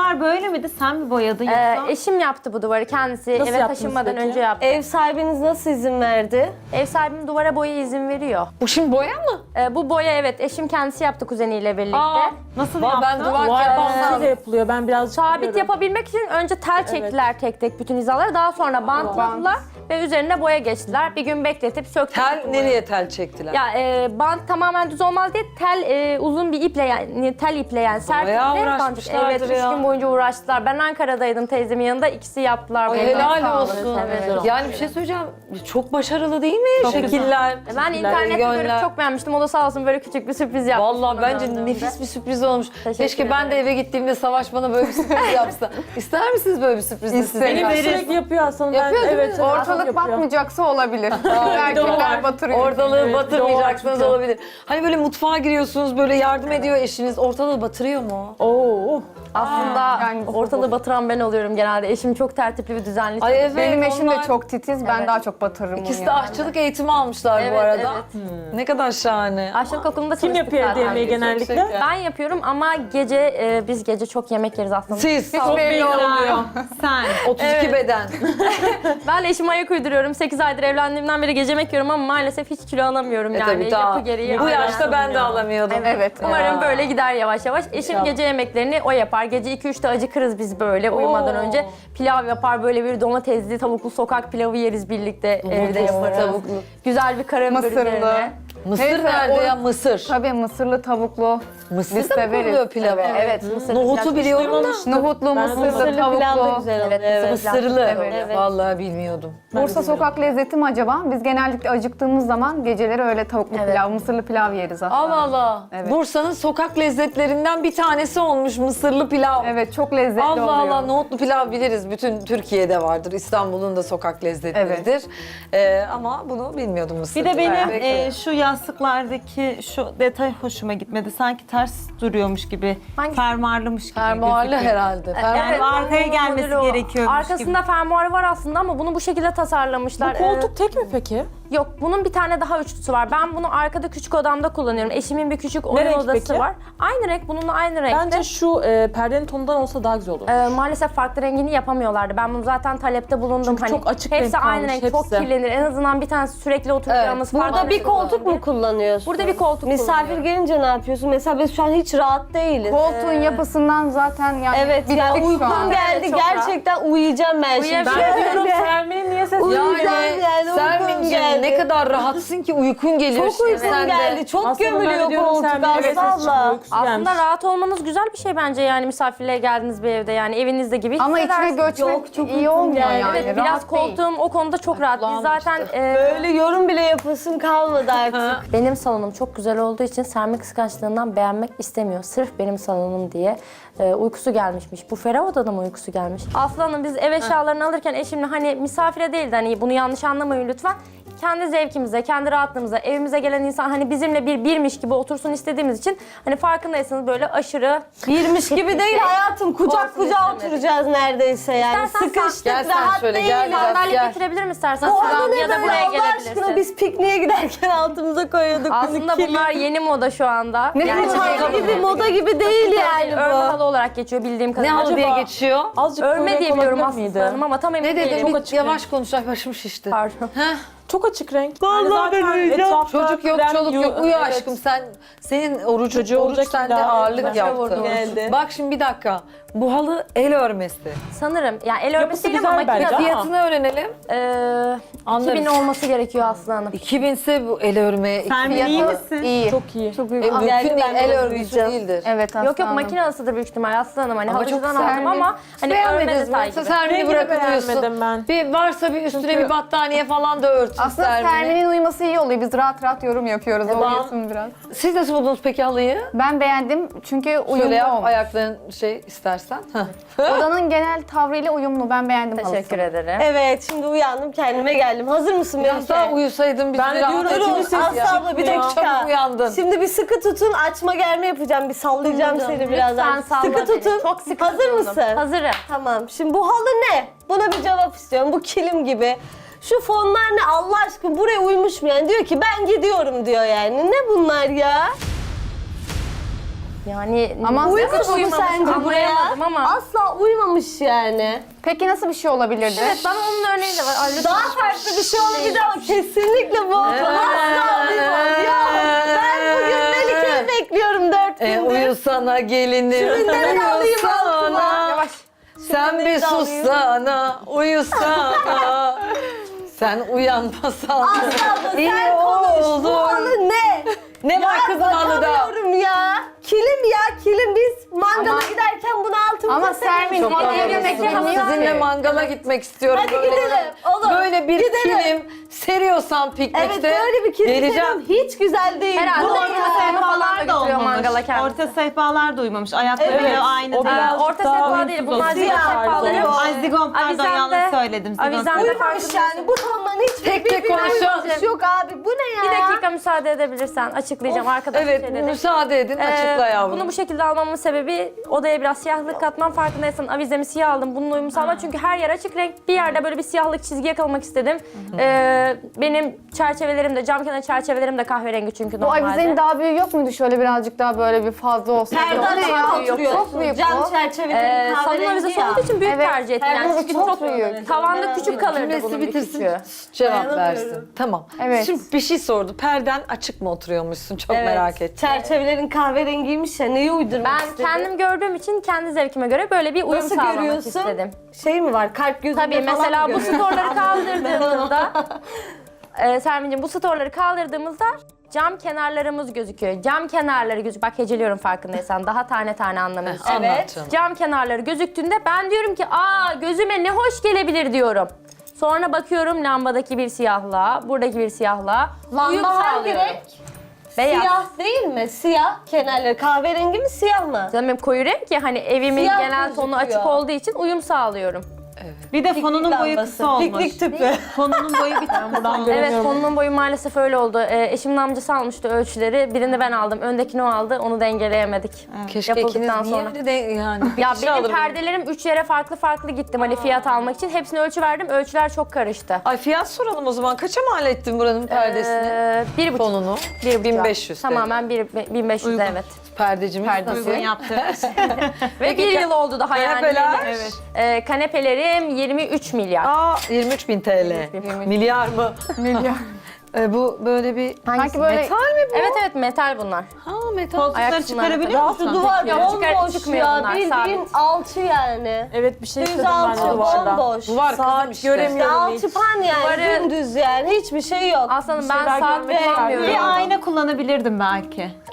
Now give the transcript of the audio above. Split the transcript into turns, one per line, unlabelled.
duvar böyle miydi? Sen mi boyadın yoksa?
Eşim yaptı bu duvarı kendisi.
Nasıl
Eve
yaptınız
taşınmadan
peki?
önce yaptı.
Ev sahibiniz nasıl izin verdi?
Ev sahibim duvara boya izin veriyor.
Bu şimdi boya mı?
Bu boya evet eşim kendisi yaptı kuzeniyle birlikte.
Nasıl
Vallahi ben
yaptın?
duvar
Duvar
kağıdından
bantıyla yapılıyor. Ben birazcık
Sabit
biliyorum.
yapabilmek için önce tel çektiler tek tek bütün hizaları. Daha sonra bantladılar ve üzerine boya geçtiler. Bir gün bekletip söktüler.
tel nereye tel çektiler?
Ya bant tamamen düz olmaz diye tel uzun bir iple yani tel iple yani sert
Bayağı
iple
uğraşmışlardır
evet, 3
ya.
gün boyunca uğraştılar. Ben Ankara'daydım teyzemin yanında ikisi yaptılar.
Ay,
bunu.
helal olsun.
Evet.
Yani bir şey söyleyeceğim. Çok başarılı değil mi şekiller?
Ben internette görüp çok beğenmiştim. O da sağ olsun böyle küçük bir sürpriz yaptı.
Vallahi
bana
bence
döndüğümde.
nefis bir sürpriz olmuş.
Teşekkür
Keşke ben de
ederim.
eve gittiğimde Savaş bana böyle bir sürpriz yapsa. İster misiniz böyle bir sürpriz de size?
Benim sürekli yapıyor aslında.
Yapıyor değil mi?
Evet,
Ortalık
yapıyor.
batmayacaksa olabilir. Erkekler batırıyor.
Ortalığı
Evet,
batırmayacaksanız
doğru.
olabilir. Hani böyle mutfağa giriyorsunuz, böyle yardım ediyor eşiniz. Ortalığı batırıyor mu?
Oo.
Aslında
yani
ortalığı batıran ben oluyorum genelde. Eşim çok tertipli ve düzenli.
Ay evet,
Benim eşim
onlar-
de çok titiz. Ben daha çok batırırım
İkisi
onu
de
yani.
aşçılık eğitimi almışlar bu
Evet,
arada.
evet.
Ne kadar şahane.
Aşçılık okulunda
Kim
çalıştık
yapıyor
zaten.
yemeği genellikle?
şeker.
Ben yapıyorum ama gece biz gece çok yemek yeriz aslında.
Siz
Hiç belli olmuyor.
Sen.
32 beden.
Ben eşime ayak uyduruyorum. 8 aydır evlendiğimden beri gece yemek yiyorum ama maalesef hiç kilo alamıyorum yani.
Tabii daha.
Yapı gereği.
Bu
Aynen.
yaşta ben de alamıyordum.
Evet.
Umarım böyle gider yavaş yavaş. Eşim gece yemeklerini o yapar. Gece 2-3'te acıkırız biz böyle uyumadan önce. Pilav yapar böyle bir domatesli tavuklu sokak pilavı yeriz birlikte evde yaparız.
tavuklu.
Güzel bir karabiber
Mısırlı.
üzerine.
Mısır
Neyse,
nerede
o-
ya? Mısır.
Tabii mısırlı tavuklu.
Mısır
Biz
da mı
severiz.
koyuyor pilava?
Evet.
Nohutu biliyorum da.
Nohutlu, mısırlı,
Mısırlı pilav da
tavuklu.
güzel oluyor.
Evet,
Evet.
Mısırlı.
Evet.
Vallahi bilmiyordum.
Bursa sokak lezzeti mi acaba? Biz genellikle acıktığımız zaman geceleri öyle tavuklu pilav, mısırlı pilav yeriz aslında.
Allah Allah.
Evet.
Bursa'nın sokak lezzetlerinden bir tanesi olmuş mısırlı pilav.
Evet, çok lezzetli
Allah
oluyor.
Allah, nohutlu pilav biliriz. Bütün Türkiye'de vardır. İstanbul'un da sokak lezzetleridir. Ama bunu bilmiyordum mısır.
Bir de benim
Evet.
şu yastıklardaki şu detay hoşuma gitmedi. Sanki ters duruyormuş gibi,
Hangisi?
fermuarlımış gibi
Fermuarlı
gözüküyor.
herhalde.
Yani
Evet,
arkaya
o
gelmesi
modeli o.
gerekiyormuş
Arkasında fermuarı var aslında ama bunu bu şekilde tasarlamışlar.
Bu koltuk tek mi peki?
Yok, bunun bir tane daha üçlüsü var. Ben bunu arkada küçük odamda kullanıyorum. Eşimin bir küçük oyun
renk
odası
peki?
var. Aynı renk, bununla aynı renkte.
Bence şu perdenin tonundan olsa daha güzel olur.
Maalesef farklı rengini yapamıyorlardı. Ben bunu zaten talepte bulundum.
Çünkü çok açık
hepsi
renk
aynı
kalmış,
renk, çok
hepsi.
kirlenir. En azından bir tanesi sürekli oturacağımız farklı
Burada bir
renk
koltuk
olur.
mu kullanıyorsun?
Burada bir koltuk
Misafir
kullanıyorum.
gelince ne yapıyorsun? Mesela biz şu an hiç rahat değiliz.
Koltuğun yapısından zaten yani
Evet ya
bittik şu
uykum
an.
geldi.
Evet, çok rahat.
Gerçekten uyuyacağım ben şimdi.
Uyuyabilirim.
Ben diyorum Sermin'in niye sesi
Uyuyacağım yani, uykum
Sermin'cim
geldi.
ne kadar rahatsın ki uykun geliyor.
Çok
şimdi
uykum
sen de.
geldi. Çok
Aslında ben de
gömülüyor
diyorum
koltuk
Sermin'in
Aslı
sesi çıkmıyor,
abla.
uykusu
Aslında
gelmiş.
rahat olmanız güzel bir şey bence yani misafirliğe geldiğiniz bir evde yani evinizde gibi
Ama içine
hissedersiniz.
göçmek
çok
iyi
uykum
olmuyor
geldi.
yani.
Evet, biraz
rahat değil.
koltuğum o konuda çok rahat. Biz zaten
Böyle yorum bile yapasın kalmadı artık.
benim salonum çok güzel olduğu için Sermi kıskançlığından beğenmek istemiyor. Sırf benim salonum diye uykusu gelmişmiş. Bu ferah odada mı uykusu gelmiş? Aslı Hanım biz ev eşyalarını alırken eşimle hani misafire değil de hani bunu yanlış anlamayın lütfen. Kendi zevkimize, kendi rahatlığımıza, evimize gelen insan hani bizimle birmiş gibi otursun istediğimiz için hani farkındaysanız böyle aşırı
Birmiş gibi değil hayatım. Kucak
Olsun
kucağa
istemedim.
oturacağız neredeyse yani.
İstersen
Sıkıştık,
Gel sen
rahat
şöyle,
değiliz.
gel biraz.
sandalye
Gel.
getirebilirim istersen
Bu
Sıra
arada
ya da
ne
buraya
böyle Allah aşkına
gelebilirsin.
biz pikniğe giderken altımıza koyuyorduk.
Aslında bunlar yeni moda şu anda.
Ne
Yani
Çanta gibi moda gibi değil yani
örme
bu.
halı olarak geçiyor bildiğim
Ne
kadarıyla.
halı diye
Acaba-
geçiyor?
Azıcık
Örme
renk
diye biliyorum
olabilir
aslında hanım ama tam emin
Ne
değilim.
dedin? Bir
açık
yavaş konuş, ay başım şişti.
Pardon.
Çok açık renk.
Vallahi ben uyuyacağım.
Çocuk yok, çoluk yok. Uyu aşkım sen. Senin oruç
olacak
sende
illa.
ağırlık
Başa
yaptı.
vurdu.
Geldi.
Bak şimdi bir dakika. Bu halı el örmesi.
Sanırım. Yani el örmesi
Yapısı
değil
güzel
ama
bence.
makine.
Fiyatını öğrenelim. Anlarız.
2000 olması gerekiyor Aslı Hanım.
2000 ise bu el örme.
Sen iyi
Fiyatı
misin?
iyi.
Çok iyi.
Çok
Mümkün
uykum
değil,
geldi.
el örgüsü değildir.
Evet
Yok yok
aslanım.
makine alısıdır büyük ihtimal Aslı Hanım. Hani
Ama çok
halıcıdan aldım
güzel.
ama hani örme
Beğenmediniz
detay
mi?
gibi.
Sermini
Rengini
bırakıyorsun.
beğenmedim ben.
Bir varsa bir üstüne bir battaniye falan da örtün
Aslında Sermin'in uyuması iyi oluyor. Biz rahat rahat yorum yapıyoruz. O uyusun biraz.
Siz nasıl buldunuz peki halıyı?
Ben beğendim çünkü
Şöyle
uyumlu
yap,
olmuş.
ayakların istersen.
Odanın genel tavrıyla uyumlu. Ben beğendim
Teşekkür
halısını.
ederim.
Evet şimdi uyandım kendime geldim. Hazır mısın
Biraz daha
Melike?
uyusaydın biz
Ben de
bir rahat
diyorum,
edeceğiz.
üçüncü ses
Aslı abla bir
Çok
dakika.
çabuk uyandın.
Şimdi bir sıkı tutun açma germe yapacağım. Bir sallayacağım seni birazdan.
Lütfen salla
Sıkı
beni.
tutun.
Çok sıkı
Hazır
tutuldum.
mısın?
Hazırım.
Tamam. Şimdi bu halı ne? Buna bir cevap istiyorum. Bu kilim gibi. Şu fonlar ne Allah aşkına buraya uymuş mu yani? Diyor ki ben gidiyorum diyor yani. Ne bunlar ya?
Yani
Ama
Uyumamış mı
uyumamış,
sence bu ya?
anlayamadım ama.
Asla uyumamış yani.
Peki nasıl bir şey olabilirdi?
Evet, bana onun örneği de var. Ay, lütfen.
Daha farklı bir şey olabilir ama kesinlikle bu. Asla uyumam. Ya ben bugün Melike'yi bekliyorum 4 gündür.
Uyusana gelinim.
Şunları alayım altına.
Yavaş.
Sen bir sussana, uyusana. Sen uyanmasan.
Asla
İyi
sen konuş.
oldu.
Bu halı ne?
Ne var kızın halıda?
Bakamıyorum ya. Kilim ya kilim. Biz mangala giderken bunu altımıza
Ama Sermin
Çok
hediye
haklısın.
yemek yemiyor
Sizinle
ki.
mangala gitmek istiyorum.
Hadi gidelim. Olur.
Böyle bir
Gidelim.
kilim seriyorsan piknikte
Evet böyle bir kilim
geleceğim.
seviyorum. Hiç güzel değil.
Herhalde
Bu ne
orta
ya?
sehpa falan da
Sehpalar da
götürüyor
olmamış.
mangala kendisi.
Orta sehpalar da uymamış. Ayakları
Evet,
aynı
o
değil.
biraz-
Orta
daha
sehpa
uyumsuz
değil.
oldu.
Bunlar zigon
Siyah,
sehpaları.
zigon.
Ay zigon pardon
Avizende-
yanlış söyledim. Zigon
avizende
sehpa.
Uyumamış yani. Bu tonların hiç
Tek tek konuşalım.
yok abi. Bu ne ya?
Bir dakika müsaade edebilirsen açıklayacağım arkadaşlar.
Evet müsaade edin açıkla yavrum.
Bunu bu şekilde almamın sebebi odaya biraz siyahlık katmam. Farkındaysan avizemi siyah aldım. Bunun uyumu sağlamak. Çünkü her yer açık renk. Bir yerde böyle bir siyahlık çizgi yakalamak istedim. Benim çerçevelerim de cam kenar çerçevelerim de kahverengi çünkü
Bu
normalde.
avizenin daha büyüğü yok muydu? Şöyle birazcık daha böyle bir fazla olsaydı.
Perde
O ne ya?
açıp oturuyorsun.
Çok büyük
Cam
bu.
çerçeveleri
Salon
kahverengi
avizesi
ya.
olduğu için büyük
Evet,
tercih ettim. Yani
perde
çünkü
çok
çok
büyük.
tavanda küçük kalırdı
Cümlesi
bunun bir
bitirsin
küçüğü.
cevap
Dayanamıyorum.
versin. Tamam.
Evet.
Şimdi bir şey sordu. Perden açık mı oturuyormuşsun? Çok
Evet.
merak ettim.
Çerçevelerin kahverengiymiş ya. Neyi uydurmak
Ben
istedin?
kendim gördüğüm için kendi zevkime göre böyle bir uyum
Nasıl
sağlamak
görüyorsun?
istedim.
Şey mi var? Kalp gözünde
Tabii
falan
mesela
mı
bu
görüyorsun?
storları kaldırdığımızda Sermin'cim bu storları kaldırdığımızda cam kenarlarımız gözüküyor. Cam kenarları gözüküyor. Bak heceliyorum farkındaysan. Daha tane tane anlamıyorsun.
Anlat canım.
Cam kenarları gözüktüğünde ben diyorum ki aa gözüme ne hoş gelebilir diyorum. Sonra bakıyorum lambadaki bir siyahlığa, buradaki bir siyahlığa. Uyum
Lamba hangi
sağlıyorum.
renk?
Beyaz.
Siyah değil mi? Siyah kenarları. Kahverengi mi siyah mı?
Canım benim koyu renk ya hani evimin
Siyah
genel tonu
gözüküyor.
açık olduğu için uyum sağlıyorum.
Bir de fonunun boyu
lambası.
kısa olmuş.
Piknik tüpü.
Fonunun boyu bir tık kısa olmuş.
Evet konunun boyu maalesef öyle oldu. Eşimin amcası almıştı ölçüleri. Birini ben aldım. Öndekini o aldı. Onu dengeleyemedik.
Keşke ikiniz
Yapıldıktan
niye
sonra.
öyle de yani. Bir
Ya
kişi
benim
alır bunu.
perdelerim 3 yere farklı gittim hani fiyat almak için. Hepsine ölçü verdim. Ölçüler çok karıştı.
Ay fiyat soralım o zaman. Kaça mal ettin buranın perdesini?
1,5.
Fonunu?
1500.
1500
Tamamen 1500 evet.
Perdecimiz
Uygun
nasıl?
yaptı.
Ve bir yıl oldu daha yani.
Kanepeler?
Evet.
Kanepelerim 23 milyar.
Aa 23.000 TL. Milyar mı?
Milyar.
Bu böyle bir...
Sanki böyle
Metal mi bu?
Evet metal bunlar.
Ha metal.
Koltukları
Ayak
çıkarabiliyor
kısımları
musun?
Duvar
Yok,
bomboş
çıkmıyor
ya.
bunlar,
Bildiğin
sabit.
alçı yani.
Evet bir şey
Düz
istedim ben de
alçı
duvarda.
bomboş.
Duvar kızım
Saat
işte.
göremiyorum hiç.
Alçıpan yani
Duvarı-
dümdüz yani. Hiçbir şey yok.
Aslanım ben
şeyler
saat
görmek
kullanmıyorum.
Bir ayna kullanabilirdim belki.